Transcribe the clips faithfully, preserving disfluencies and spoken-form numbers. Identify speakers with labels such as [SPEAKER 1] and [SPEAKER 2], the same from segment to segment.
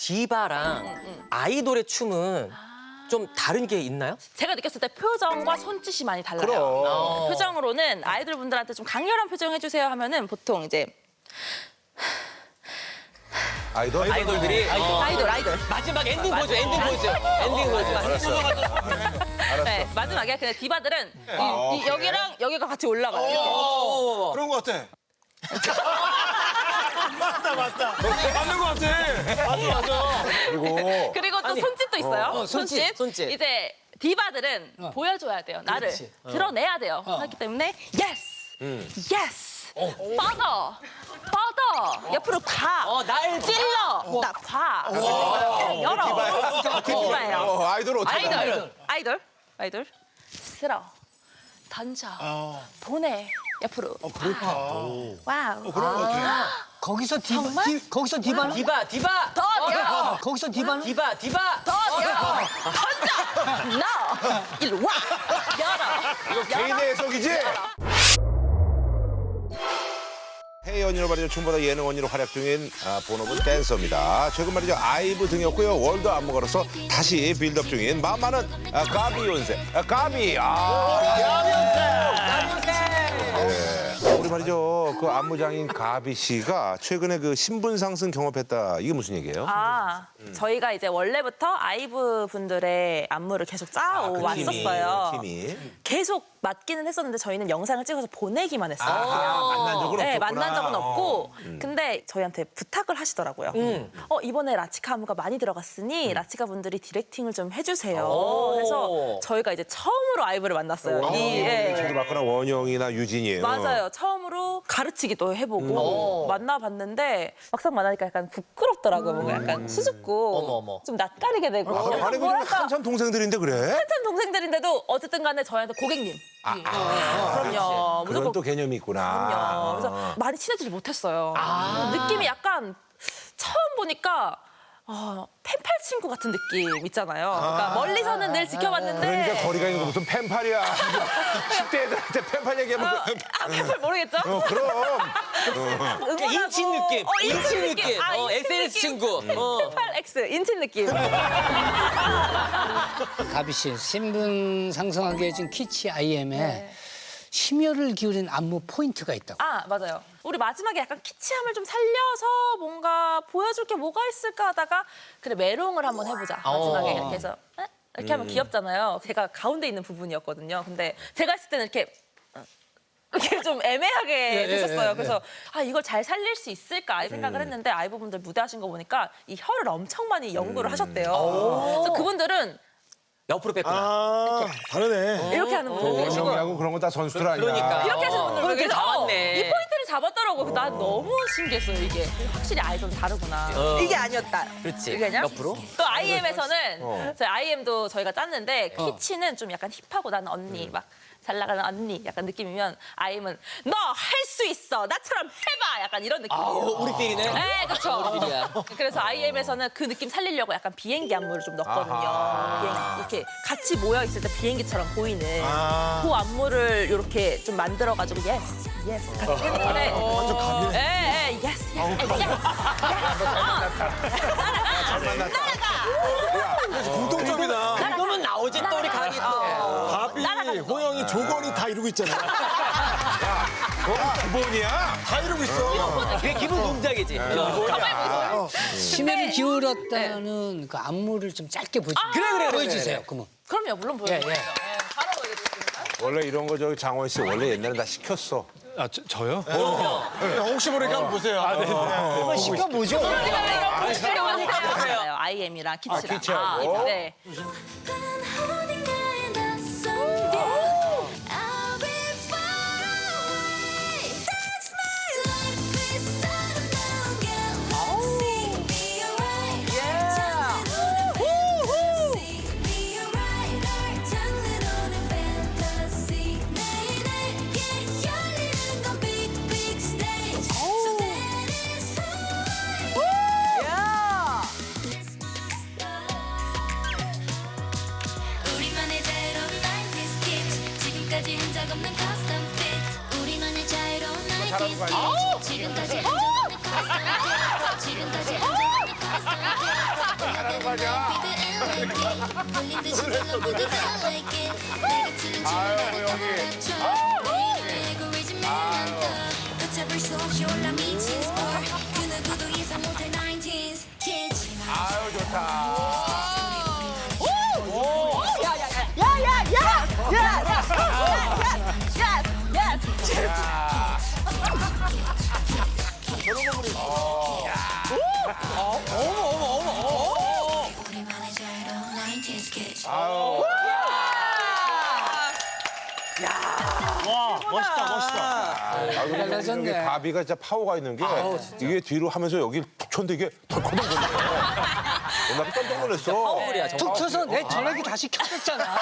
[SPEAKER 1] 디바랑 아이돌의 춤은 좀 다른 게 있나요?
[SPEAKER 2] 제가 느꼈을 때 표정과 손짓이 많이 달라요.
[SPEAKER 3] 그럼.
[SPEAKER 2] 어, 표정으로는 아이돌 분들한테 좀 강렬한 표정 해주세요 하면은 보통 이제
[SPEAKER 3] 아이돌?
[SPEAKER 1] 아이돌들이 어,
[SPEAKER 2] 아이돌 아이돌.
[SPEAKER 1] 마지막 엔딩 보여줘, 엔딩 보여줘, 엔딩 보여줘.
[SPEAKER 3] 알았어.
[SPEAKER 2] 네, 마지막에 근데 디바들은 이, 이 여기랑 여기가 같이 올라가요. 이렇게.
[SPEAKER 1] 어머머머.
[SPEAKER 4] 그런 거 같아. 맞다, 맞다. 맞는 거 같아. 맞아, 맞아.
[SPEAKER 3] 그리고
[SPEAKER 2] 그리고 또
[SPEAKER 1] 아니,
[SPEAKER 2] 손짓도 있어요.
[SPEAKER 1] 어, 손짓, 손짓.
[SPEAKER 2] 이제 디바들은 보여줘야 돼요. 나를
[SPEAKER 1] 그렇지.
[SPEAKER 2] 드러내야 돼요. 그렇기 때문에 yes, yes, 뻗어, 뻗어, 옆으로 가,
[SPEAKER 1] 어, 날
[SPEAKER 2] 찔러, 나 봐, 열어. 디바예요.
[SPEAKER 3] 어, 아이돌 어떻게
[SPEAKER 2] 아이돌,
[SPEAKER 1] 아이돌.
[SPEAKER 2] 아이돌, 아이돌, 쓸어, 던져, 보내, 옆으로.
[SPEAKER 4] 어, 그렇다.
[SPEAKER 2] 와우.
[SPEAKER 4] 그런 거 같아.
[SPEAKER 5] 거기서 디바,
[SPEAKER 2] 정말?
[SPEAKER 5] 디, 거기서 디바는?
[SPEAKER 1] 디바, 디바.
[SPEAKER 2] 더 열어.
[SPEAKER 5] 거기서 디바는?
[SPEAKER 1] 디바, 디바.
[SPEAKER 2] 더 열어. 던져. 너. 일로 와. 열어.
[SPEAKER 3] 이거 개인의 해석이지? 해외 언니로 말이죠. 춤보다 예능 언니로 활약 중인 아, 본업은 댄서입니다. 최근 말이죠. 아이브 등이었고요. 월드 안무가로서 다시 빌드업 중인 마음 많은 아, 가비 연세. 아, 가비. 아, 네. 우리 말이죠. 그 안무장인 가비 씨가 최근에 그 신분 상승 경험했다. 이게 무슨 얘기예요?
[SPEAKER 2] 아, 저희가 이제 원래부터 아이브 분들의 안무를 계속 짜오
[SPEAKER 3] 그
[SPEAKER 2] 왔었어요.
[SPEAKER 3] 팀이. 팀이.
[SPEAKER 2] 계속 맡기는 했었는데 저희는 영상을 찍어서 보내기만 했어요.
[SPEAKER 3] 아, 만난 적은
[SPEAKER 2] 네,
[SPEAKER 3] 없었구나.
[SPEAKER 2] 만난 적은 없고.
[SPEAKER 3] 어. 음.
[SPEAKER 2] 근데 저희한테 부탁을 하시더라고요. 어, 이번에 라치카 안무가 많이 들어갔으니
[SPEAKER 3] 음.
[SPEAKER 2] 라치카 분들이 디렉팅을 좀 해주세요.
[SPEAKER 1] 오.
[SPEAKER 2] 그래서 저희가 이제 처음으로 아이브를 만났어요. 이, 예.
[SPEAKER 3] 저도 봤거나 원영이나 유진이에요.
[SPEAKER 2] 맞아요. 처음으로 가르치기도 해보고
[SPEAKER 1] 어.
[SPEAKER 2] 만나봤는데 막상 만나니까 약간 부끄럽더라고요. 뭔가 약간 수줍고
[SPEAKER 1] 어머, 어머.
[SPEAKER 2] 좀 낯가리게 되고.
[SPEAKER 3] 아, 아니, 그럼
[SPEAKER 2] 뭐랄까
[SPEAKER 3] 한참 동생들인데 그래?
[SPEAKER 2] 한참 동생들인데도 어쨌든 간에 저희한테 고객님.
[SPEAKER 3] 아, 아,
[SPEAKER 2] 그럼요.
[SPEAKER 3] 그런
[SPEAKER 2] 무조건
[SPEAKER 3] 또 개념이 있구나.
[SPEAKER 2] 그럼요. 그래서 많이 친해지지 못했어요. 느낌이 약간 처음 보니까 어, 펜팔 친구 같은 느낌 있잖아요. 그러니까 멀리서는 늘 지켜봤는데
[SPEAKER 3] 그러니까 거리가 있는 거 무슨 펜팔이야. 십 대 애들한테 펜팔 얘기하면
[SPEAKER 2] 어, 아, 펜팔 모르겠죠?
[SPEAKER 3] 그, 어, 그럼.
[SPEAKER 2] 응원하고.
[SPEAKER 1] 인친 느낌,
[SPEAKER 2] 어,
[SPEAKER 1] 인친 느낌.
[SPEAKER 2] 아,
[SPEAKER 1] 어,
[SPEAKER 2] 인친
[SPEAKER 1] 에스엔에스
[SPEAKER 2] 느낌.
[SPEAKER 1] 친구. 어.
[SPEAKER 2] 펜팔 X 인친 느낌.
[SPEAKER 5] 가비 씨, 신분 상승하게 해준 키치 아이엠에
[SPEAKER 2] 네.
[SPEAKER 5] 심혈을 기울인 안무 포인트가 있다고.
[SPEAKER 2] 아 맞아요. 우리 마지막에 약간 키치함을 좀 살려서 뭔가 보여줄 게 뭐가 있을까 하다가 그래 메롱을 한번 해보자. 마지막에
[SPEAKER 1] 어.
[SPEAKER 2] 이렇게 해서 에? 이렇게 하면 귀엽잖아요. 제가 가운데 있는 부분이었거든요. 근데 제가 했을 때는 이렇게 이렇게 좀 애매하게 됐었어요. 그래서 아 이걸 잘 살릴 수 있을까 이 생각을 했는데 아이브 분들 무대하신 거 보니까 이 혀를 엄청 많이 연구를 하셨대요. 그래서 그분들은
[SPEAKER 1] 옆으로 뺐구나.
[SPEAKER 4] 아, 다르네.
[SPEAKER 2] 이렇게 하는 분들 계시고
[SPEAKER 3] 원영이하고 그런 건 다 선수들 아니야.
[SPEAKER 1] 그러니까.
[SPEAKER 2] 이렇게 하시는 분들
[SPEAKER 1] 포인트를
[SPEAKER 2] 계세요.
[SPEAKER 1] 잡았네.
[SPEAKER 2] 이 포인트를 잡았더라고. 난 너무 신기했어요 이게. 확실히 아이돌은 다르구나.
[SPEAKER 1] 어.
[SPEAKER 2] 이게 아니었다.
[SPEAKER 1] 그렇지.
[SPEAKER 2] 이게 아니야?
[SPEAKER 1] 옆으로?
[SPEAKER 2] 또 아이엠에서는
[SPEAKER 3] 어.
[SPEAKER 2] 저희 아이엠도 저희가 짰는데 키치는 좀 약간 힙하고 나는 언니 막 잘 나가는 언니 약간 느낌이면 아이엠은 너 할 수 있어 나처럼 해봐 약간 이런 느낌이에요.
[SPEAKER 1] 아우, 우리 필이네.
[SPEAKER 2] 네, 그렇죠.
[SPEAKER 1] 우리들이야.
[SPEAKER 2] 그래서 아이엠에서는 그 느낌 살리려고 약간 비행기 안무를 좀 넣었거든요.
[SPEAKER 3] 아하.
[SPEAKER 2] 비행- 이렇게 같이 모여 있을 때 비행기처럼 보이는
[SPEAKER 4] 아.
[SPEAKER 2] 그 안무를 이렇게 좀 만들어가지고 예스, 예스 같이 했는데
[SPEAKER 4] 완전 가비네.
[SPEAKER 2] 예, 예, 예스, 예스, 예스.
[SPEAKER 4] 공통점이다.
[SPEAKER 1] 이거면 나오지 또 우리 강이 또.
[SPEAKER 4] 가비, 호영이, 조건이 다 이루고 있잖아.
[SPEAKER 3] 그건 기본이야.
[SPEAKER 4] 다 이루고 있어.
[SPEAKER 1] 그게 기본 동작이지. 어.
[SPEAKER 5] 심혈을 기울였다는 그 안무를 좀 짧게 보여,
[SPEAKER 1] 그래, 그래, 그래,
[SPEAKER 5] 보여주세요.
[SPEAKER 1] 그래.
[SPEAKER 5] 그러면.
[SPEAKER 2] 그럼요, 물론
[SPEAKER 5] 예,
[SPEAKER 2] 보여요.
[SPEAKER 5] 예.
[SPEAKER 2] 바로 보여드리겠습니다.
[SPEAKER 3] 원래 이런 거 저기 장원 씨 원래 옛날에 다 시켰어.
[SPEAKER 6] 아, 저, 저요?
[SPEAKER 4] 혹시 모르니까 한번 보세요.
[SPEAKER 5] 한번 시켜보죠.
[SPEAKER 2] 보세요. 아이엠이랑 키치랑.
[SPEAKER 3] 키치하고.
[SPEAKER 2] 네.
[SPEAKER 7] 어딘가에 낯선 게 I'll be far away That's my life please 아름다운 게 Seek me alright Seek me alright 널 장르로는 fantasy 내게 열리는 건 big big stage So that is who I 우리만의 자유로운 나인티스 kids 지금까지 흔적 없는 custom fit 우리만의 자유로운 나인티스 kids 지금까지 흔적 없는 custom fit 지금까지 흔적 없는 custom fit
[SPEAKER 3] 가자. 아유, 여기. 아유, 좋다. 아유.
[SPEAKER 4] 와, 멋있다, 멋있다.
[SPEAKER 3] 아, 근데
[SPEAKER 5] 달라졌네.
[SPEAKER 3] 여기 가비가 진짜 파워가 있는 게 이게 뒤로 하면서 여기 툭 쳤는데 이게 덜커덩거리네. 나 깜짝 놀랐어.
[SPEAKER 1] 파워풀이야, 정말.
[SPEAKER 5] 툭 쳐서 내 전화기 다시 켜졌잖아.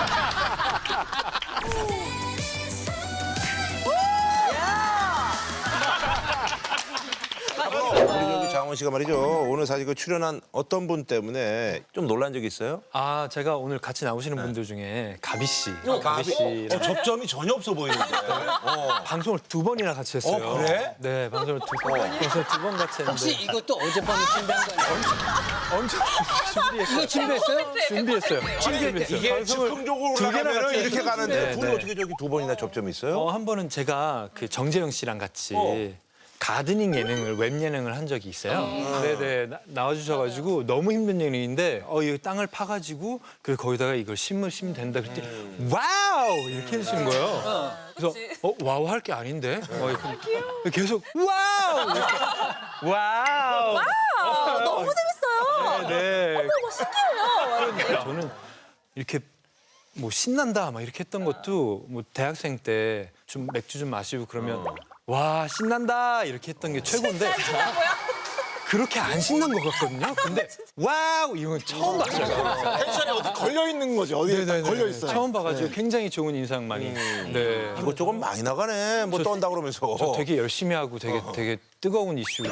[SPEAKER 3] 우리 저기 장원 씨가 말이죠. 오늘 사실 그 출연한 어떤 분 때문에 좀 놀란 적이 있어요?
[SPEAKER 6] 아, 제가 오늘 같이 나오시는 분들 중에 가비 씨,
[SPEAKER 3] 가비?
[SPEAKER 6] 가비 씨
[SPEAKER 3] 어, 접점이 전혀 없어 보이는데. 어.
[SPEAKER 6] 방송을 두 번이나 같이 했어요.
[SPEAKER 3] 어, 그래?
[SPEAKER 6] 네, 방송을 두 번, 그래서 두 번 같이
[SPEAKER 5] 혹시
[SPEAKER 6] 했는데
[SPEAKER 5] 이것도 어젯밤에 준비한 거 아니야?
[SPEAKER 6] 엄청 준비했어요.
[SPEAKER 5] 이거 준비했어요?
[SPEAKER 6] 준비했어요. 준비했어요.
[SPEAKER 3] 이게
[SPEAKER 6] 방송을
[SPEAKER 3] 즉흥적으로
[SPEAKER 6] 두 개나
[SPEAKER 3] 올라가면
[SPEAKER 6] 같이
[SPEAKER 3] 이렇게
[SPEAKER 6] 했어요.
[SPEAKER 3] 가는데
[SPEAKER 6] 네,
[SPEAKER 3] 둘이
[SPEAKER 6] 네.
[SPEAKER 3] 어떻게 저기 두 번이나 접점이 있어요?
[SPEAKER 6] 어, 한 번은 제가 그 정재영 씨랑 같이
[SPEAKER 3] 어.
[SPEAKER 6] 가드닝 예능을 웹 예능을 한 적이 있어요. 네네 나, 나와주셔가지고 너무 힘든 예능인데 어 이 땅을 파가지고 그 거기다가 이걸 심을 심면 된다 그랬더니 와우 이렇게 해주시는 거예요. 그래서 어 와우 할 게 아닌데 어, 이렇게 계속 와우 이렇게. 와우.
[SPEAKER 2] 아, 너무 재밌어요.
[SPEAKER 6] 네.
[SPEAKER 2] 너무 신기해요.
[SPEAKER 6] 그러니까 저는 이렇게 뭐 신난다 막 이렇게 했던 것도 뭐 대학생 때 좀 맥주 좀 마시고 그러면 와 신난다 이렇게 했던 게 최고인데 그렇게 안 신난 것 같거든요. 근데 와우 이건 처음 봤어요.
[SPEAKER 4] 텐션이 어디 걸려 있는 거지. 어디에 딱 걸려 있어요.
[SPEAKER 6] 처음 봐가지고 굉장히 좋은 인상 많이. 네.
[SPEAKER 3] 이거 조금 많이 나가네. 뭐 떤다 그러면서.
[SPEAKER 6] 저 되게 열심히 하고 되게 되게 뜨거운 이슈.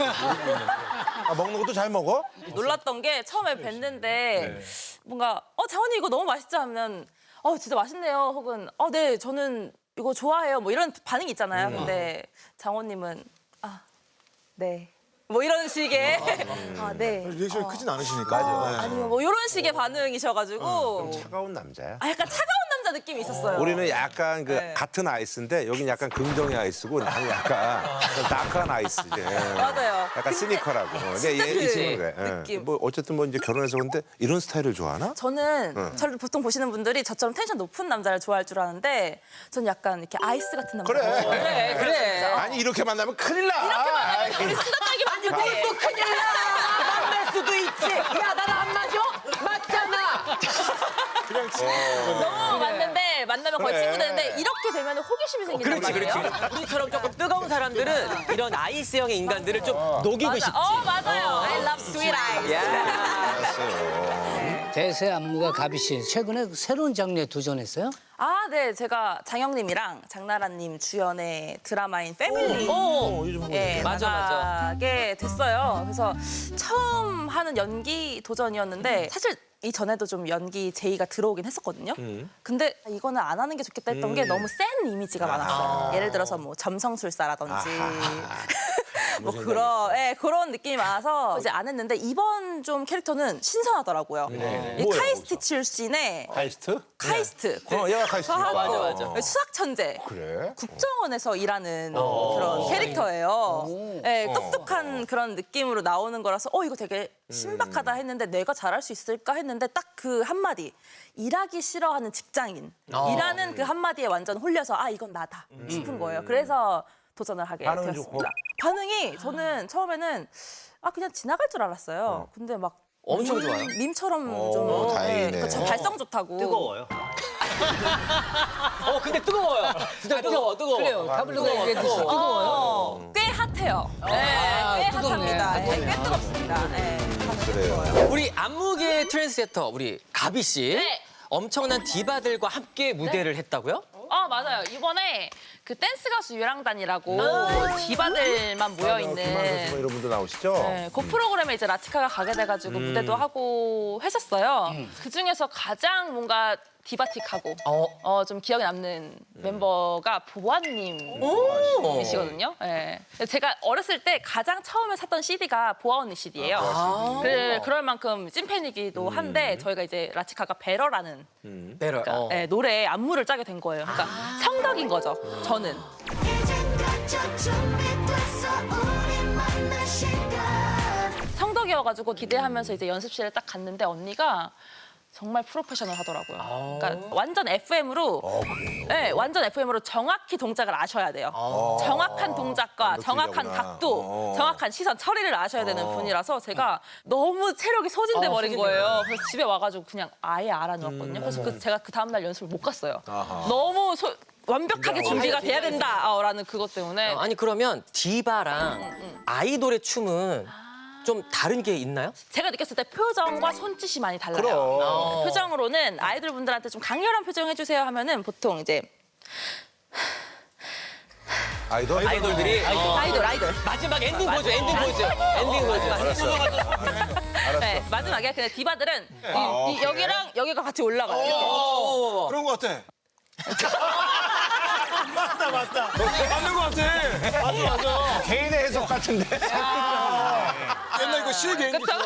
[SPEAKER 3] 아, 먹는 것도 잘 먹어?
[SPEAKER 2] 놀랐던 게 처음에 뵀는데 뭔가 어 장원님 이거 너무 맛있지 하면 어 진짜 맛있네요 혹은 어 네 저는 이거 좋아해요 뭐 이런 반응이 있잖아요. 근데 장원님은 아 네. 뭐 이런 식의 아 네.
[SPEAKER 4] 리액션이 크진 않으시니까. 네.
[SPEAKER 2] 아니면 뭐 이런 식의 반응이셔가지고
[SPEAKER 3] 차가운 남자야.
[SPEAKER 2] 아 약간 차가운 남자 느낌이 있었어요.
[SPEAKER 3] 우리는 약간 그
[SPEAKER 2] 네.
[SPEAKER 3] 같은 아이스인데 여긴 약간 긍정의 아이스고 나는 약간 좀 다크한 아이스지.
[SPEAKER 2] 맞아요.
[SPEAKER 3] 약간 시니컬하고. 근데
[SPEAKER 2] 진짜
[SPEAKER 3] 얘,
[SPEAKER 2] 그
[SPEAKER 3] 이 친구는 그래. 예.
[SPEAKER 2] 느낌.
[SPEAKER 3] 뭐 어쨌든 뭐 이제 결혼해서 근데 이런 스타일을 좋아하나?
[SPEAKER 2] 저는 저를 보통 보시는 분들이 저처럼 텐션 높은 남자를 좋아할 줄 아는데 전 약간 이렇게 아이스 같은 남자.
[SPEAKER 3] 그래.
[SPEAKER 2] 그래 그래.
[SPEAKER 3] 아니 이렇게 만나면 큰일 나. 이렇게
[SPEAKER 2] 우리 수다하게 만들지. 또 큰일 나. 만날 수도 있지. 야 나랑 안 맞아? 맞잖아.
[SPEAKER 3] 그냥
[SPEAKER 2] 너무 맞는데 만나면 거의
[SPEAKER 3] 그래.
[SPEAKER 2] 친구 되는데 이렇게 되면 호기심이 생긴단
[SPEAKER 1] 그렇지,
[SPEAKER 2] 말이에요.
[SPEAKER 1] 그렇지. 우리처럼 조금 뜨거운 사람들은 이런 아이스형의 인간들을 좀 녹이고
[SPEAKER 2] 맞아.
[SPEAKER 1] 싶지.
[SPEAKER 2] 어 맞아요. I love sweet ice.
[SPEAKER 3] 알았어요.
[SPEAKER 5] 대세 안무가 가비 씨 최근에 새로운 장르에 도전했어요?
[SPEAKER 2] 아, 네. 제가 장영님이랑 장나라님 주연의 드라마인 패밀리 예,
[SPEAKER 1] 맞아, 맞아.
[SPEAKER 2] 나가게 됐어요. 그래서 처음 하는 연기 도전이었는데 사실 이전에도 좀 연기 제의가 들어오긴 했었거든요. 근데 이거는 안 하는 게 좋겠다 했던 게 너무 센 이미지가 많았어요. 예를 들어서 뭐 점성술사라든지 뭐 그런 예, 그런 느낌이 많아서 이제 안 했는데 이번 좀 캐릭터는 신선하더라고요. 이
[SPEAKER 3] 뭐예요,
[SPEAKER 2] 카이스트 출신의
[SPEAKER 3] 카이스트?
[SPEAKER 2] 카이스트.
[SPEAKER 3] 어, 얘가 카이스트니까.
[SPEAKER 2] 과학고
[SPEAKER 3] 맞아, 맞아.
[SPEAKER 2] 수학 천재.
[SPEAKER 3] 그래?
[SPEAKER 2] 국정원에서 일하는 그런 캐릭터예요. 네, 똑똑한 그런 느낌으로 나오는 거라서 어 이거 되게 신박하다 했는데 내가 잘할 수 있을까 했는데 딱 그 한마디 일하기 싫어하는 직장인 이라는 그 한마디에 완전 홀려서 아 이건 나다 싶은 거예요. 그래서 도전을 하게
[SPEAKER 3] 반응은
[SPEAKER 2] 되었습니다.
[SPEAKER 3] 좋고?
[SPEAKER 2] 반응이 저는 처음에는 아 그냥 지나갈 줄 알았어요. 근데 막
[SPEAKER 1] 엄청
[SPEAKER 2] 밈-
[SPEAKER 1] 좋아요?
[SPEAKER 2] 밈처럼
[SPEAKER 3] 어,
[SPEAKER 2] 좀
[SPEAKER 3] 다행이네.
[SPEAKER 2] 네, 저 발성 좋다고.
[SPEAKER 1] 뜨거워요. 어, 근데 뜨거워요. 진짜 뜨거워, 뜨거워.
[SPEAKER 5] 그래요. 파블로가 얘기했듯이 뜨거워요.
[SPEAKER 2] 어, 꽤 핫해요. 네, 꽤
[SPEAKER 5] 뜨겁네.
[SPEAKER 2] 핫합니다. 네, 꽤 뜨겁습니다. 네,
[SPEAKER 3] 그래요.
[SPEAKER 1] 우리 안무계 트랜스레터 우리 가비 씨
[SPEAKER 2] 네.
[SPEAKER 1] 엄청난 디바들과 함께 무대를 했다고요?
[SPEAKER 2] 아 맞아요. 이번에 그 댄스 가수 유랑단이라고 디바들만 모여
[SPEAKER 3] 김한선 씨
[SPEAKER 2] 있는
[SPEAKER 3] 뭐 이런 분들 나오시죠?
[SPEAKER 2] 네, 그 프로그램에 이제 라치카가 가게 돼가지고 무대도 하고 했었어요. 그 중에서 가장 뭔가 디바틱하고 어, 좀 기억에 남는 멤버가 보아님이시거든요. 네. 제가 어렸을 때 가장 처음에 샀던 씨디가 보아 언니 씨디예요. 그, 그럴 만큼 찐팬이기도 한데 저희가 이제 라치카가 배러라는
[SPEAKER 1] 배럴. 어.
[SPEAKER 2] 네, 노래에 안무를 짜게 된 거예요. 그러니까 성덕인 거죠. 저는.
[SPEAKER 7] 이젠 갇혀 준비됐어 우리 만날 시간
[SPEAKER 2] 성덕이어가지고 기대하면서 이제 연습실에 딱 갔는데 언니가 정말 프로페셔널 하더라고요. 그러니까 완전 에프엠으로, 네, 완전 에프엠으로 정확히 동작을 아셔야 돼요. 정확한 동작과 정확한
[SPEAKER 3] 완벽주의자구나.
[SPEAKER 2] 각도,
[SPEAKER 3] 어.
[SPEAKER 2] 정확한 시선 처리를 아셔야 되는 분이라서 제가 너무 체력이 소진돼 버린 거예요. 그래서 집에 와가지고 그냥 아예 알아놓았거든요. 그래서 그 제가 그 다음날 연습을 못 갔어요. 너무 소- 완벽하게 준비가 돼야 된다라는 그것 때문에.
[SPEAKER 1] 어, 아니 그러면 디바랑 아이돌의 춤은 좀 다른 게 있나요?
[SPEAKER 2] 제가 느꼈을 때 표정과 손짓이 많이 달라요.
[SPEAKER 3] 그럼.
[SPEAKER 2] 어. 표정으로는 아이돌 분들한테 좀 강렬한 표정 해주세요 하면은 보통 이제
[SPEAKER 3] 아이돌?
[SPEAKER 1] 아이돌들이 어,
[SPEAKER 2] 아이돌 아이돌.
[SPEAKER 1] 마지막 엔딩 보여줘. 엔딩 보여줘. 엔딩 보여줘.
[SPEAKER 2] 네, 마지막에 근데 디바들은 이, 이 여기랑 여기가 같이 올라가요. 이렇게.
[SPEAKER 4] 그런 거 같아. 맞다 맞다. 맞는 거 같아. 맞아 맞아.
[SPEAKER 3] 개인의 해석 같은데?
[SPEAKER 4] 옛날 이거 실 개인
[SPEAKER 2] 그쵸?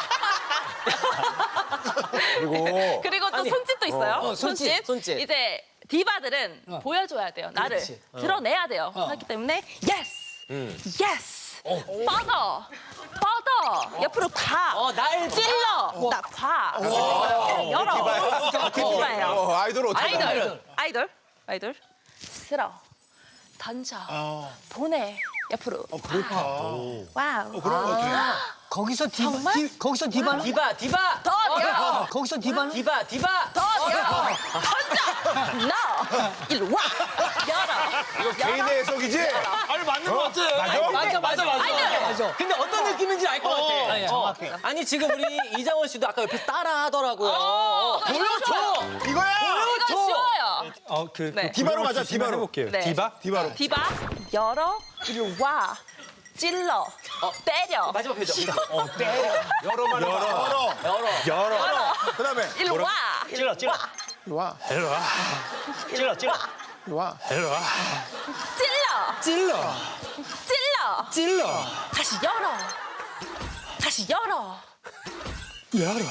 [SPEAKER 3] 그리고
[SPEAKER 2] 그리고 또 손짓도 있어요.
[SPEAKER 1] 어, 손짓,
[SPEAKER 2] 손짓.
[SPEAKER 1] 손짓.
[SPEAKER 2] 이제 디바들은 보여줘야 돼요. 나를 드러내야 돼요. 그렇기 때문에 yes, yes, 뻗어, 뻗어, 옆으로 가,
[SPEAKER 1] 어, 날
[SPEAKER 2] 찔러, 나 봐, 열어. 디바예요.
[SPEAKER 3] 어, 아이돌 어떻게 나와요?
[SPEAKER 2] 아이돌, 아이돌, 아이돌, 쓸어, 던져, 보내, 옆으로. 와우.
[SPEAKER 5] 거기서 디바,
[SPEAKER 2] 정말?
[SPEAKER 5] 디, 거기서 디바는?
[SPEAKER 1] 디바, 디바.
[SPEAKER 2] 더 열어.
[SPEAKER 5] 거기서 디바는?
[SPEAKER 1] 디바, 디바.
[SPEAKER 2] 더 열어. 던져. 너 일로 와. 열어.
[SPEAKER 3] 개인의 해석이지?
[SPEAKER 4] 아니 맞는 거 같아.
[SPEAKER 3] 맞아?
[SPEAKER 1] 맞아, 맞아, 맞아.
[SPEAKER 2] 아이돌.
[SPEAKER 1] 근데 어떤 느낌인지 알 것 같아.
[SPEAKER 5] 아니, 정확해.
[SPEAKER 1] 어. 아니 지금 우리 이장원 씨도 아까 옆에서 따라 하더라고요. 어, 보여줘.
[SPEAKER 3] 이거야!
[SPEAKER 2] 이거 쉬워요.
[SPEAKER 6] 어, 그,
[SPEAKER 2] 네.
[SPEAKER 6] 그
[SPEAKER 4] 디바로 가자,
[SPEAKER 6] 디바로
[SPEAKER 4] 디바로.
[SPEAKER 6] 해볼게요.
[SPEAKER 2] 네.
[SPEAKER 6] 디바?
[SPEAKER 4] 디바로.
[SPEAKER 2] 디바 열어. 일로 와. 찔러. 때려.
[SPEAKER 1] 마지막 표정.
[SPEAKER 3] 여러만 열어.
[SPEAKER 4] 열어.
[SPEAKER 1] 열어.
[SPEAKER 6] 열어.
[SPEAKER 4] 그다음에
[SPEAKER 2] 일로 와.
[SPEAKER 5] 찔러, 찔러.
[SPEAKER 4] 일로 와.
[SPEAKER 6] 일로 와.
[SPEAKER 5] 찔러, 찔러.
[SPEAKER 4] 일로 와.
[SPEAKER 6] 일로 와.
[SPEAKER 2] 찔러.
[SPEAKER 6] 찔러.
[SPEAKER 2] 찔러.
[SPEAKER 6] 찔러.
[SPEAKER 2] 다시 열어. 다시 열어.
[SPEAKER 6] 열어.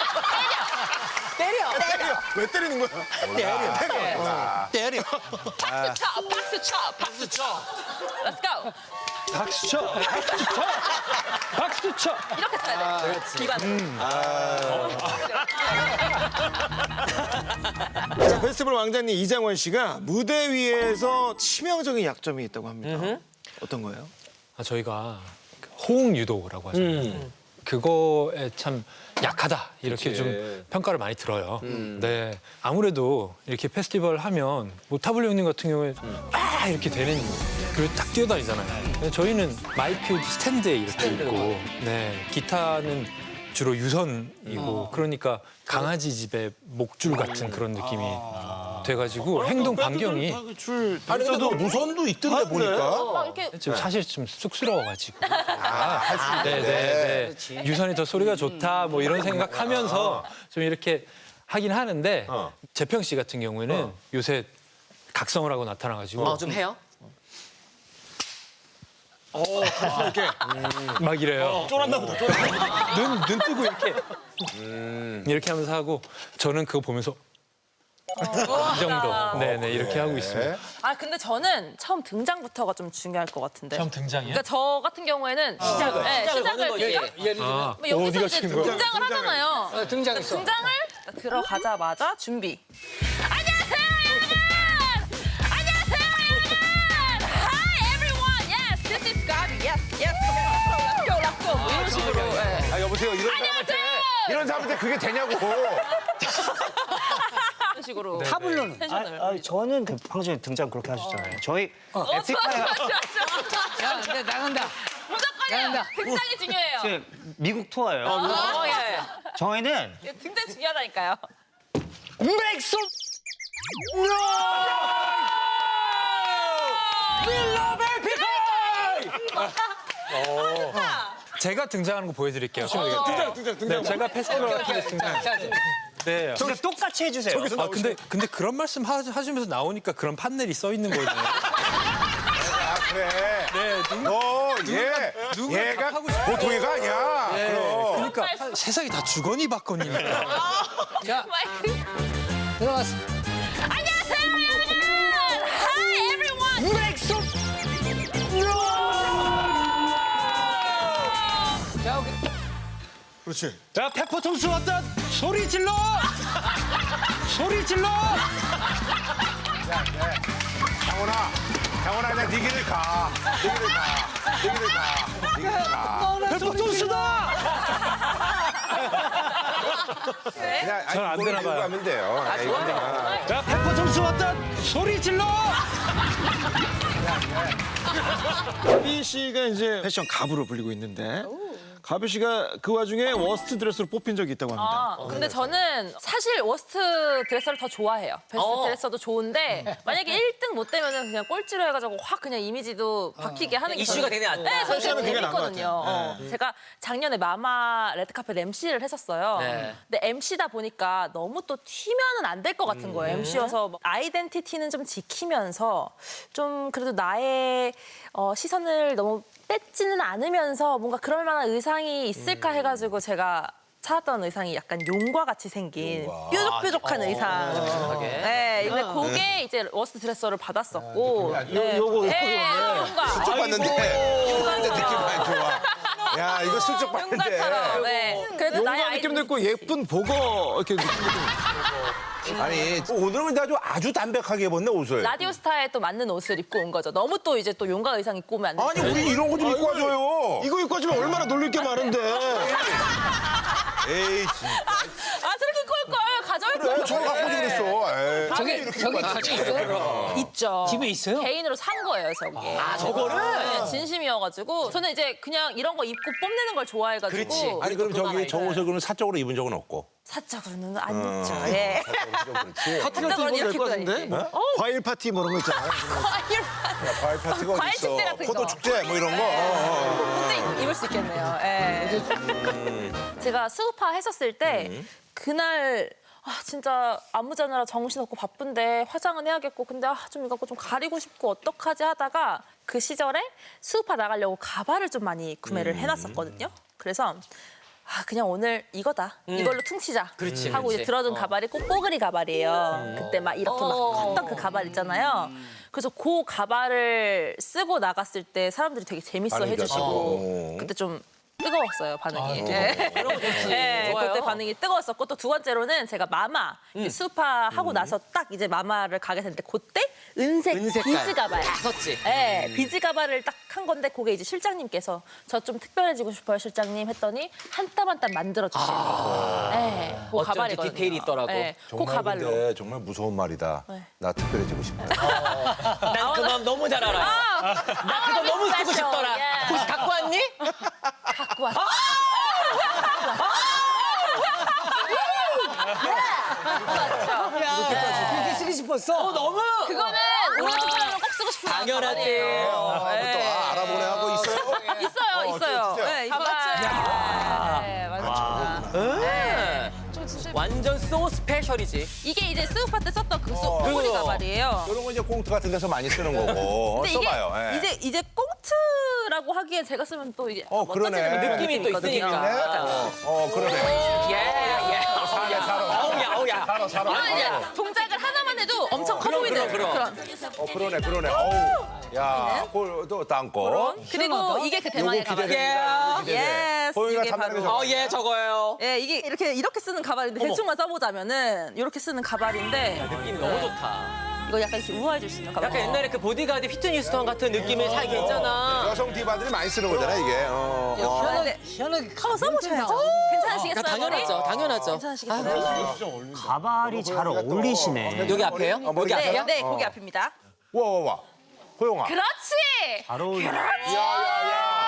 [SPEAKER 2] 때려.
[SPEAKER 4] 때려. 왜 때리는 거야? 때려. 때려.
[SPEAKER 6] 때려.
[SPEAKER 2] 박수 쳐. 박수 쳐. 박수 쳐. Let's go.
[SPEAKER 6] 박수 쳐. 박수 쳐. 박수 쳐.
[SPEAKER 2] 이렇게 쳐야 돼. 디바는.
[SPEAKER 4] 자, 페스티벌 왕자님 이장원 씨가 무대 위에서 치명적인 약점이 있다고 합니다. 어떤 거예요?
[SPEAKER 6] 아, 저희가 호응 유도라고 하잖아요. 그거에 참 약하다 이렇게 좀 평가를 많이 들어요. 네, 아무래도 이렇게 페스티벌 하면 뭐 타블로 형님 같은 경우에 아 이렇게 되는 그리고 딱 뛰어다니잖아요. 근데 저희는 마이크 스탠드에 이렇게 있고, 네, 기타는 주로 유선이고 그러니까 강아지 집에 목줄 같은 그런 느낌이 돼가지고 행동 반경이
[SPEAKER 4] 줄
[SPEAKER 3] 아니 근데 너 무선도 있던데 보니까.
[SPEAKER 2] 막 이렇게
[SPEAKER 6] 좀 사실 좀 쑥스러워가지고.
[SPEAKER 3] 할수
[SPEAKER 6] 네, 네, 네. 유선이 더 소리가 좋다 뭐 이런 생각하면서 좀 이렇게 하긴 하는데
[SPEAKER 3] 어.
[SPEAKER 6] 재평 씨 같은 경우에는 요새 각성을 하고 나타나가지고
[SPEAKER 1] 어, 좀 해요?
[SPEAKER 4] 이렇게
[SPEAKER 6] 막 이래요.
[SPEAKER 4] 쫄았나 보다. 쫄았나
[SPEAKER 6] 눈, 눈 뜨고 이렇게 이렇게 하면서 하고 저는 그거 보면서 이 정도. 네네 이렇게 하고 있습니다.
[SPEAKER 2] 아 근데 저는 처음 등장부터가 좀 중요할 것 같은데.
[SPEAKER 6] 처음 등장이요?
[SPEAKER 2] 그러니까 저 같은 경우에는 시작을, 네,
[SPEAKER 1] 시작을
[SPEAKER 2] 시작을
[SPEAKER 1] 거는 거지.
[SPEAKER 2] 일단
[SPEAKER 5] 예를 들면
[SPEAKER 6] 아,
[SPEAKER 2] 뭐 여기서
[SPEAKER 6] 어디가
[SPEAKER 2] 이제
[SPEAKER 6] 치는 거야?
[SPEAKER 2] 등장을 하잖아요.
[SPEAKER 5] 어, 등장했어.
[SPEAKER 2] 등장을 들어가자마자 준비. 안녕하세요 여러분. 안녕하세요 여러분. Hi everyone. Yes, this is Gabi. Yes, yes. Let's go, let's go. 뭐 이런 식으로. 네.
[SPEAKER 3] 아 여보세요 이런 사람한테 이런 사람한테 그게 되냐고.
[SPEAKER 2] 이런 식으로.
[SPEAKER 5] 타블로는?
[SPEAKER 2] 텐션을.
[SPEAKER 8] 아, 저는 그 방금 전에 등장 그렇게 하셨잖아요. 저희
[SPEAKER 2] 어, 좋아,
[SPEAKER 8] 에픽하이
[SPEAKER 2] 좋아, 좋아, 좋아.
[SPEAKER 5] 야, 근데 나간다.
[SPEAKER 2] 무조건이에요.
[SPEAKER 5] 나간다.
[SPEAKER 2] 등장이 중요해요.
[SPEAKER 8] 그 미국 투어예요.
[SPEAKER 2] 어, 예.
[SPEAKER 8] 저희는
[SPEAKER 2] 예. 등장 중요하다니까요.
[SPEAKER 8] 맥소
[SPEAKER 6] 제가 등장하는 거 보여드릴게요.
[SPEAKER 4] 등장 등장 등장.
[SPEAKER 6] 네, 제가 페스티벌 같은 데 등장. 네.
[SPEAKER 8] 진짜 똑같이 해주세요.
[SPEAKER 6] 아 근데 근데 그런 말씀 하, 하시면서 나오니까 그런 판넬이 써 있는 거예요.
[SPEAKER 3] 아, 그래.
[SPEAKER 6] 네, 누,
[SPEAKER 3] 너, 얘,
[SPEAKER 6] 누가
[SPEAKER 3] 얘가
[SPEAKER 6] 하고 싶어.
[SPEAKER 3] 보통 애가 아니야.
[SPEAKER 6] 네,
[SPEAKER 3] 그럼.
[SPEAKER 6] 그러니까 세상이 다 주거니 받거니.
[SPEAKER 5] 자,
[SPEAKER 2] 마이크.
[SPEAKER 5] 들어갔어.
[SPEAKER 2] 안녕하세요, 여러분. Hi, everyone.
[SPEAKER 5] 자, 오케이.
[SPEAKER 4] 그렇지.
[SPEAKER 8] 자, 페퍼통수 왔다. 소리 질러. 소리 질러.
[SPEAKER 3] 장훈아, 장훈아, 그냥 네 길을 가. 네 길을 가. 네 길을 가. 네 길을 가.
[SPEAKER 8] 페퍼통수다.
[SPEAKER 3] 그냥
[SPEAKER 6] 잘안
[SPEAKER 3] 이거를
[SPEAKER 6] 되나
[SPEAKER 3] 들고
[SPEAKER 6] 봐요.
[SPEAKER 3] 가면 돼요. 아, 좋아요.
[SPEAKER 8] 자, 페퍼통수 왔다. 소리 질러.
[SPEAKER 4] 가비 씨가 이제 패션 가부로 불리고 있는데 가비 씨가 그 와중에 워스트 드레스로 뽑힌 적이 있다고 합니다.
[SPEAKER 2] 아, 근데 저는 사실 워스트 드레서를 더 좋아해요. 베스트
[SPEAKER 1] 어.
[SPEAKER 2] 드레서도 좋은데 만약에 일 등 못 되면은 그냥 꼴찌로 해가지고 확 그냥 이미지도 바뀌게 하는 게
[SPEAKER 1] 이슈가
[SPEAKER 2] 저는-
[SPEAKER 1] 되네, 안 돼.
[SPEAKER 2] 네, 저는 되게
[SPEAKER 4] 패션은 그게 나은 것
[SPEAKER 2] 재밌거든요.
[SPEAKER 4] 같아요.
[SPEAKER 2] 어. 제가 작년에 마마 레드카펫 엠씨를 했었어요.
[SPEAKER 1] 네.
[SPEAKER 2] 근데 엠씨다 보니까 너무 또 튀면은 안 될 것 같은 거예요. 엠씨여서 아이덴티티는 좀 지키면서 좀 그래도 나의 어, 시선을 너무 뺏지는 않으면서 뭔가 그럴 만한 의상이 있을까 해가지고 제가 찾았던 의상이 약간 용과 같이 생긴 뾰족뾰족한 의상. 네, 근데 그게 이제 워스트 드레서를 받았었고. 네.
[SPEAKER 4] 요거,
[SPEAKER 2] 네, 용과.
[SPEAKER 3] 슬쩍 봤는데. 근데 느낌 많이 좋아. 야, 이거 슬쩍 봤는데.
[SPEAKER 2] 용과처럼. 네. 그래도 나의
[SPEAKER 4] 용감 느낌도 있고
[SPEAKER 2] 아이덴티티.
[SPEAKER 4] 예쁜 복어 이렇게 느낌도 있고.
[SPEAKER 3] 아니, 오늘은 근데 아주, 아주 담백하게 입었네, 옷을.
[SPEAKER 2] 라디오스타에 또 맞는 옷을 입고 온 거죠. 너무 또 이제 또 용과 의상 입고 오면 안 돼.
[SPEAKER 3] 아니, 우리 이런 거 좀 입고 와줘요.
[SPEAKER 4] 이거 입고 와주면 얼마나 놀릴 게 많은데.
[SPEAKER 3] 에이, 진짜.
[SPEAKER 2] 아 저렇게 걸 걸 가져올
[SPEAKER 3] 그래,
[SPEAKER 2] 걸.
[SPEAKER 3] 저거 갖고 오지 그랬어. 에이.
[SPEAKER 5] 저기, 저기 같이 있어요?
[SPEAKER 2] 있죠.
[SPEAKER 5] 집에 있어요?
[SPEAKER 2] 개인으로 산 거예요, 저게. 아,
[SPEAKER 1] 저거를?
[SPEAKER 2] 네, 진심이어가지고 저는 이제 그냥 이런 거 입고 뽐내는 걸 좋아해가지고.
[SPEAKER 1] 그렇지.
[SPEAKER 3] 아니, 그럼 저기 저 옷을 그러면 사적으로 입은 적은 없고.
[SPEAKER 2] 사적으로는 안 입죠. 예.
[SPEAKER 3] 그렇지.
[SPEAKER 4] 파티 같은 거
[SPEAKER 2] 사적으로는
[SPEAKER 4] 될것
[SPEAKER 2] 이렇게
[SPEAKER 4] 같은데?
[SPEAKER 2] 입고 다니지.
[SPEAKER 4] 뭐? 과일 파티 뭐 이런 거 있잖아요.
[SPEAKER 2] 과일.
[SPEAKER 3] 과일 파티가
[SPEAKER 2] 과일
[SPEAKER 3] 어딨어.
[SPEAKER 2] 축제 같은 거.
[SPEAKER 3] 포도 축제 뭐 이런 거. 어, 어, 어.
[SPEAKER 2] 근데 입을 수 있겠네요. 예. 제가 수우파 했었을 때 그날 아 진짜 안무 자느라 정신없고 바쁜데 화장은 해야겠고 근데 아, 좀 이거 좀 가리고 싶고 어떡하지 하다가 그 시절에 수우파 나가려고 가발을 좀 많이 구매를 해놨었거든요. 그래서 아 그냥 오늘 이거다 이걸로 퉁치자
[SPEAKER 1] 그렇지,
[SPEAKER 2] 하고
[SPEAKER 1] 그렇지.
[SPEAKER 2] 이제 들어둔 가발이 꼭 뽀글이 가발이에요. 그때 막 이렇게 막 컸던 그 가발 있잖아요. 그래서 그 가발을 쓰고 나갔을 때 사람들이 되게 재밌어
[SPEAKER 3] 반응이
[SPEAKER 2] 해주시고
[SPEAKER 3] 좋았어.
[SPEAKER 2] 그때 좀 뜨거웠어요 반응이. 네.
[SPEAKER 1] 그런 거 좋지.
[SPEAKER 2] 네,
[SPEAKER 1] 좋아요.
[SPEAKER 2] 그때 반응이 뜨거웠었고 또 두 번째로는 제가 마마 수파 하고 나서 딱 이제 마마를 가게 됐는데 그때 은색
[SPEAKER 1] 은색깔.
[SPEAKER 2] 비즈 가발.
[SPEAKER 1] 다 썼지.
[SPEAKER 2] 네, 비즈 가발을 딱 한 건데 그게 이제 실장님께서 저 좀 특별해지고 싶어요 실장님 했더니 한 땀 한 땀 만들어 주시는 거. 네, 그
[SPEAKER 1] 어쩐지
[SPEAKER 2] 가발이거든요.
[SPEAKER 1] 디테일이 있더라고.
[SPEAKER 2] 네, 그
[SPEAKER 3] 정말
[SPEAKER 2] 가발로.
[SPEAKER 3] 근데 정말 무서운 말이다.
[SPEAKER 2] 네.
[SPEAKER 3] 나 특별해지고 싶다.
[SPEAKER 1] 난 그 마음 너무 잘 알아요. 나 그거 너무 쓰고 싶더라.
[SPEAKER 2] 예.
[SPEAKER 1] 혹시 갖고 왔니?
[SPEAKER 2] 갖고 왔어.
[SPEAKER 5] 그렇게 쓰고 싶었어?
[SPEAKER 1] 너무.
[SPEAKER 2] 그거는 우리 친구랑 꼭 쓰고 싶은
[SPEAKER 1] 당연하지.
[SPEAKER 2] 가발이에요.
[SPEAKER 3] 또
[SPEAKER 2] 네.
[SPEAKER 3] 아, 알아보네 하고 있어요?
[SPEAKER 2] 있어요,
[SPEAKER 3] 어,
[SPEAKER 2] 있어요.
[SPEAKER 3] 진짜?
[SPEAKER 2] 네, 이거 네, 맞습니다. 네.
[SPEAKER 1] 완전 소 스페셜이지.
[SPEAKER 2] 이게 이제 스우파 때 썼던 그
[SPEAKER 3] 어.
[SPEAKER 2] 소리
[SPEAKER 1] 그거.
[SPEAKER 2] 가발이에요.
[SPEAKER 3] 이런 거 이제 꽁트 같은 데서 많이 쓰는 거고. 어,
[SPEAKER 2] 근데 이게
[SPEAKER 3] 써봐요. 예.
[SPEAKER 2] 이제 이제 꽁트라고 하기엔 제가 쓰면 또 이게
[SPEAKER 3] 어, 그러네.
[SPEAKER 1] 느낌이 또 있으니까.
[SPEAKER 3] 네? 어, 어, 그러네.
[SPEAKER 1] 예, 예.
[SPEAKER 3] 살아, 살아.
[SPEAKER 1] 어우야, 어우야.
[SPEAKER 3] 살아, 살아.
[SPEAKER 2] 아, 이제 동작을 하나만 해도 엄청 커
[SPEAKER 1] 그럼,
[SPEAKER 2] 보이는
[SPEAKER 1] 그럼, 그럼.
[SPEAKER 2] 그런.
[SPEAKER 3] 어, 그러네, 그러네. 어우. 야, 그또 땅고.
[SPEAKER 2] 그리고 이게 그 대망의
[SPEAKER 3] 요거 기대돼.
[SPEAKER 2] 가발이에요.
[SPEAKER 3] 기대돼.
[SPEAKER 2] 예스.
[SPEAKER 3] 보영이가
[SPEAKER 2] 이게
[SPEAKER 3] 탐나는
[SPEAKER 2] 바로.
[SPEAKER 3] 거
[SPEAKER 1] 어, 예, 저거예요.
[SPEAKER 2] 예, 이게 이렇게 이렇게 쓰는 가발인데 대충만 써보자면은 이렇게 쓰는 가발인데
[SPEAKER 1] 느낌이 너무 좋다.
[SPEAKER 2] 이거 약간 이렇게 우아해질 수 있는 가발.
[SPEAKER 1] 약간 옛날에 그 보디가드 휘트니 휴스턴 같은 느낌의 살기 있잖아.
[SPEAKER 3] 여성 디바들이 많이 쓰는 거잖아, 이게. 어, 어.
[SPEAKER 2] 희한하게
[SPEAKER 5] 희한하게
[SPEAKER 2] 한번 써보셔야죠. 괜찮으시겠어요?
[SPEAKER 1] 당연하죠, 당연하죠.
[SPEAKER 2] 괜찮으시겠어요?
[SPEAKER 8] 가발이 잘 어울리시네.
[SPEAKER 1] 여기 앞에요?
[SPEAKER 3] 어, 머리
[SPEAKER 1] 여기
[SPEAKER 2] 네,
[SPEAKER 1] 앞에요?
[SPEAKER 2] 네, 거기 앞입니다.
[SPEAKER 3] 와, 와, 와. 호영아.
[SPEAKER 2] 그렇지.
[SPEAKER 8] 잘 어울리네.
[SPEAKER 3] 야, 야, 야.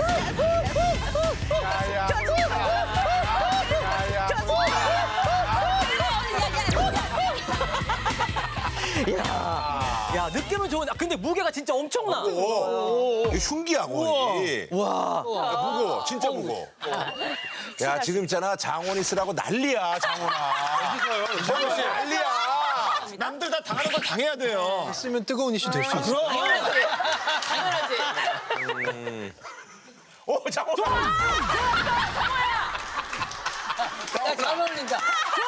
[SPEAKER 3] 야, 야. 야, 야.
[SPEAKER 1] 느낌은 좋은데, 아, 근데 무게가 진짜 엄청나.
[SPEAKER 3] 오, 이게 흉기야 거의.
[SPEAKER 1] 와.
[SPEAKER 3] 무거워, 진짜 무거워. 야 지금 있잖아 장원이 쓰라고 난리야 장원아. 어디서요? 장원 씨 난리야.
[SPEAKER 4] 남들 다 당하는 걸 당해야 돼요.
[SPEAKER 6] 쓰면 뜨거운 이슈 될 수 있어.
[SPEAKER 2] 당연하지.
[SPEAKER 3] 오 장원.
[SPEAKER 5] 야, 잘 어울린다.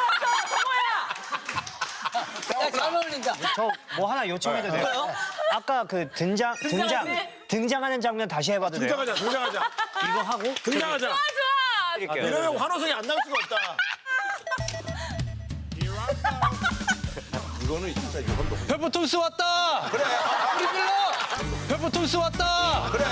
[SPEAKER 5] 야, 잘 어울린다.
[SPEAKER 8] 저 뭐 하나 요청해도 돼요? 아까 그 등장 등장 등장하는 장면 다시 해봐도 돼요?
[SPEAKER 4] 등장하자, 등장하자.
[SPEAKER 8] 이거 하고
[SPEAKER 4] 등장하자.
[SPEAKER 8] 드릴게요.
[SPEAKER 4] 이러면 환호성이 안 나올 수가 없다.
[SPEAKER 3] 이거는 진짜 이건 너무.
[SPEAKER 6] 페퍼톤스 왔다. 그래. 우리 빌러. 페퍼톤스 왔다.
[SPEAKER 3] 그래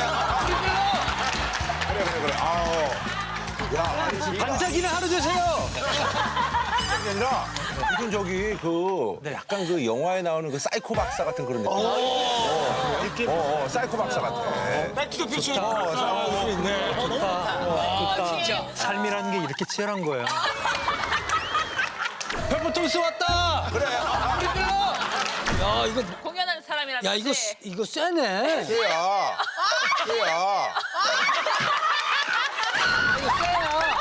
[SPEAKER 3] 그래 그래. 아우. 야 아니 진짜.
[SPEAKER 6] 반짝이는 하루 되세요.
[SPEAKER 3] 그게 아니라 무슨 저기 그 약간 그 영화에 나오는 그 사이코 박사 같은 그런 느낌. 어, 느낌. 어, 어, 사이코 박사 같아.
[SPEAKER 4] 백투더 퓨처.
[SPEAKER 3] 어, 사이코
[SPEAKER 4] 있네.
[SPEAKER 5] 진짜.
[SPEAKER 6] 삶이라는 게 이렇게 치열한 거야. 페퍼톤스 왔다.
[SPEAKER 3] 그래.
[SPEAKER 6] 우리 빌러.
[SPEAKER 5] 야, 이거,
[SPEAKER 2] 공연하는 사람이라면.
[SPEAKER 5] 야, 이거, 이거 세네.
[SPEAKER 3] 걔야. 걔야.
[SPEAKER 5] 이거 세야.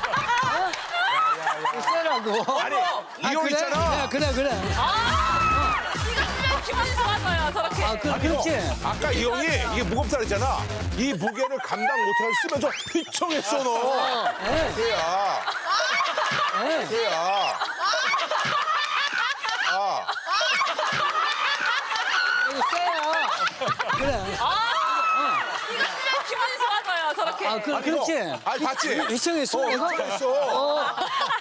[SPEAKER 5] 이거 세라고.
[SPEAKER 3] 아니 이 형
[SPEAKER 5] 그래?
[SPEAKER 3] 있잖아.
[SPEAKER 5] 그래, 그래, 그래.
[SPEAKER 2] 이거 쓰면 기분이 좋아져요, 저렇게.
[SPEAKER 5] 아, 그, 그렇지.
[SPEAKER 3] 아까 이 형이 이게 무겁다 그랬잖아. 이 무게를 감당 못하고 쓰면서 휘청했어 너.
[SPEAKER 5] 예.
[SPEAKER 3] 걔야.
[SPEAKER 5] 예.
[SPEAKER 3] 걔야. 아.
[SPEAKER 5] 이거 세야. 그래.
[SPEAKER 2] 이거 쓰면 기분이 좋아져요, 저렇게.
[SPEAKER 5] 아, 그, 그렇지.
[SPEAKER 3] 아니 봤지?
[SPEAKER 5] 위청했어.
[SPEAKER 3] 어,
[SPEAKER 5] 내가?
[SPEAKER 3] 휘청했어.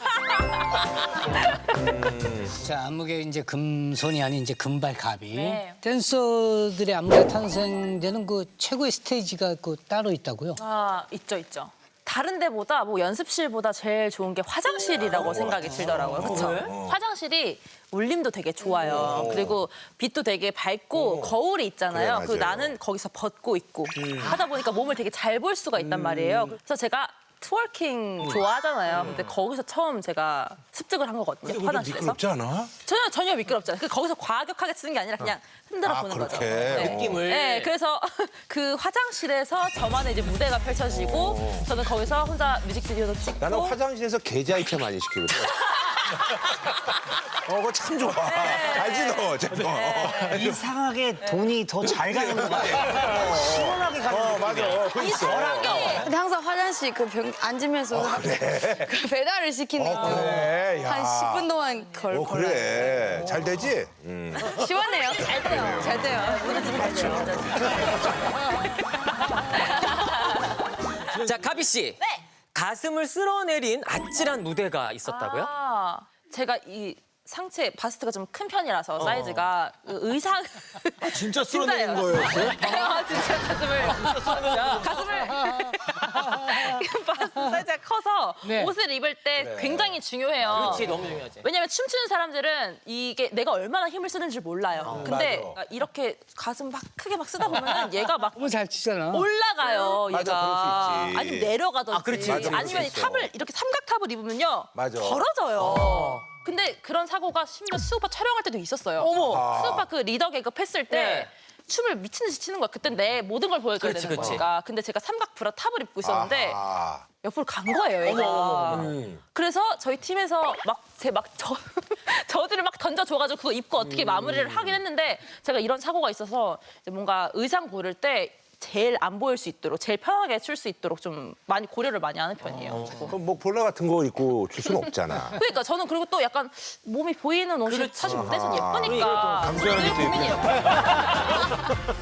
[SPEAKER 5] 자, 안무계 이제 금손이 아닌 이제 금발갑이.
[SPEAKER 2] 네.
[SPEAKER 5] 댄서들의 안무가 탄생되는 그 최고의 스테이지가 그 따로 있다고요?
[SPEAKER 2] 아, 있죠, 있죠. 다른 데보다 뭐 연습실보다 제일 좋은 게 화장실이라고 생각이 들더라고요. 그렇죠? 화장실이 울림도 되게 좋아요. 그리고 빛도 되게 밝고 거울이 있잖아요.
[SPEAKER 3] 그래,
[SPEAKER 2] 그
[SPEAKER 3] 맞아요.
[SPEAKER 2] 나는 거기서 벗고 있고 하다 보니까 몸을 되게 잘 볼 수가 있단 말이에요. 그래서 제가 트월킹 좋아하잖아요. 근데 거기서 처음 제가 습득을 한 거거든요. 화장실에서.
[SPEAKER 3] 미끄럽지 않아?
[SPEAKER 2] 전혀 전혀 미끄럽지 않아요. 그 거기서 과격하게 쓰는 게 아니라 그냥 흔들어
[SPEAKER 3] 아,
[SPEAKER 2] 보는
[SPEAKER 3] 그렇게?
[SPEAKER 2] 거죠. 네.
[SPEAKER 1] 느낌을.
[SPEAKER 2] 네, 그래서 그 화장실에서 저만의 이제 무대가 펼쳐지고 저는 거기서 혼자 뮤직비디오도 찍고.
[SPEAKER 3] 나는 화장실에서 계좌 이체 많이 시키거든. 어, 그거 참 좋아. 알지 너, 쟤
[SPEAKER 8] 이상하게 돈이 더 잘 가는 것 같아. 시원하게 가는
[SPEAKER 3] 어,
[SPEAKER 8] 거
[SPEAKER 3] 맞아. 어, 그거 있어.
[SPEAKER 9] 근데 항상 화장실 그 병 앉으면서 그 배달을 시키는
[SPEAKER 3] 어,
[SPEAKER 9] 거.
[SPEAKER 3] 그래. 야.
[SPEAKER 9] 한 십 분 동안 걸
[SPEAKER 3] 어,
[SPEAKER 9] 걸어요.
[SPEAKER 3] 그래. 잘 되지? 음.
[SPEAKER 9] 시원해요. 잘 돼요. 잘 돼요.
[SPEAKER 1] 자, 가비 씨.
[SPEAKER 2] 네.
[SPEAKER 1] 가슴을 쓸어내린 아찔한 무대가 있었다고요?
[SPEAKER 2] 아, 제가 이 상체 바스트가 좀 큰 편이라서 사이즈가 그 의상
[SPEAKER 4] 진짜 쓸어내는
[SPEAKER 2] 진짜예요.
[SPEAKER 4] 거였어요?
[SPEAKER 2] 아, 진짜 가슴을 가슴을 바스트 사이즈가 커서
[SPEAKER 5] 네.
[SPEAKER 2] 옷을 입을 때 굉장히 중요해요.
[SPEAKER 1] 그렇지, 너무 중요하지.
[SPEAKER 2] 왜냐면 춤추는 사람들은 이게 내가 얼마나 힘을 쓰는지 몰라요. 근데
[SPEAKER 3] 맞아.
[SPEAKER 2] 이렇게 가슴 막 크게 막 쓰다 보면 얘가 막
[SPEAKER 5] 너무 잘 치잖아.
[SPEAKER 2] 올라가요, 얘가.
[SPEAKER 3] 맞아, 그럴 수 있지.
[SPEAKER 2] 아니면 내려가든지.
[SPEAKER 1] 아, 그렇지. 맞아,
[SPEAKER 3] 그럴 수
[SPEAKER 2] 아니면 이
[SPEAKER 3] 있어.
[SPEAKER 2] 탑을 이렇게 삼각탑을 입으면요.
[SPEAKER 3] 맞아.
[SPEAKER 2] 벌어져요. 근데 그런 사고가 심지어 수우파 촬영할 때도 있었어요.
[SPEAKER 1] 어머.
[SPEAKER 2] 수우파 그 리더 개그 했을 때
[SPEAKER 1] 네.
[SPEAKER 2] 춤을 미친 듯이 추는 거야. 그때 내 모든 걸 보여줘야
[SPEAKER 1] 그렇지,
[SPEAKER 2] 되는
[SPEAKER 1] 그렇지.
[SPEAKER 2] 거니까. 근데 제가 삼각 브라 탑을 입고 있었는데
[SPEAKER 3] 아.
[SPEAKER 2] 옆으로 간 거예요, 얘가. 그래서 저희 팀에서 막 제 막 저, 저지를 막 던져줘가지고 그거 입고 어떻게 마무리를 하긴 했는데 제가 이런 사고가 있어서 이제 뭔가 의상 고를 때 제일 안 보일 수 있도록 제일 편하게 출 수 있도록 좀 많이 고려를 많이 하는 편이에요.
[SPEAKER 3] 그럼 뭐 볼라 같은 거 입고 줄 수는 없잖아.
[SPEAKER 2] 그러니까 저는 그리고 또 약간 몸이 보이는 옷이 사실 무대에서 예쁘니까
[SPEAKER 4] 감수하는
[SPEAKER 2] 늘
[SPEAKER 4] 것도
[SPEAKER 2] 고민이에요.